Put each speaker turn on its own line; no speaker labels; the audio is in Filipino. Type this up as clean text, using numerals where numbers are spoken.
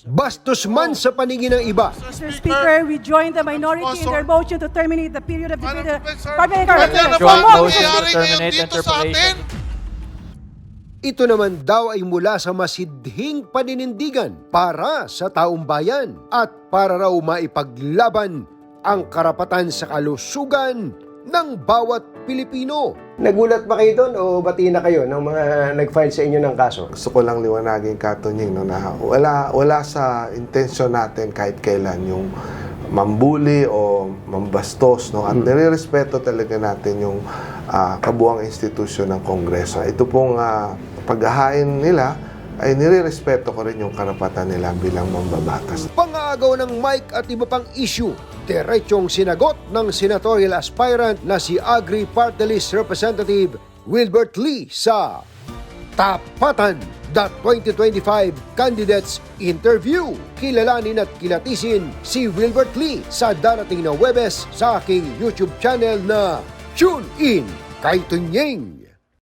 bastos man sa paningin ng iba.
Mr. Speaker, we join the minority in their motion to terminate the period of debate.
Ganyan na
Joint
ba ang
motion to
nangyayari ngayon
terminate
dito sa atin?
Ito naman daw ay mula sa masidhing paninindigan para sa taong bayan at para raw maipaglaban ang karapatan sa kalusugan ng bawat Pilipino. Nagulat ba kayo doon o bati na kayo ng mga nag-file sa inyo ng kaso?
Gusto ko lang liwanagin, Katunying, no, na wala sa intensyon natin kahit kailan yung mambuli o mambastos, no? At nire-respeto talaga natin yung kabuuang institusyon ng Kongreso. Ito pong paghahain nila ay nire-respeto ko rin yung karapatan nila bilang mambabatas.
Pang-aagaw ng mic at iba pang issue, diretsong sinagot ng senatorial aspirant na si Agri Party List Representative Wilbert Lee sa Tapatan, the 2025 Candidates Interview. Kilalanin at kilatisin si Wilbert Lee sa darating na Huwebes sa aking YouTube channel na Tune In kay Tunying.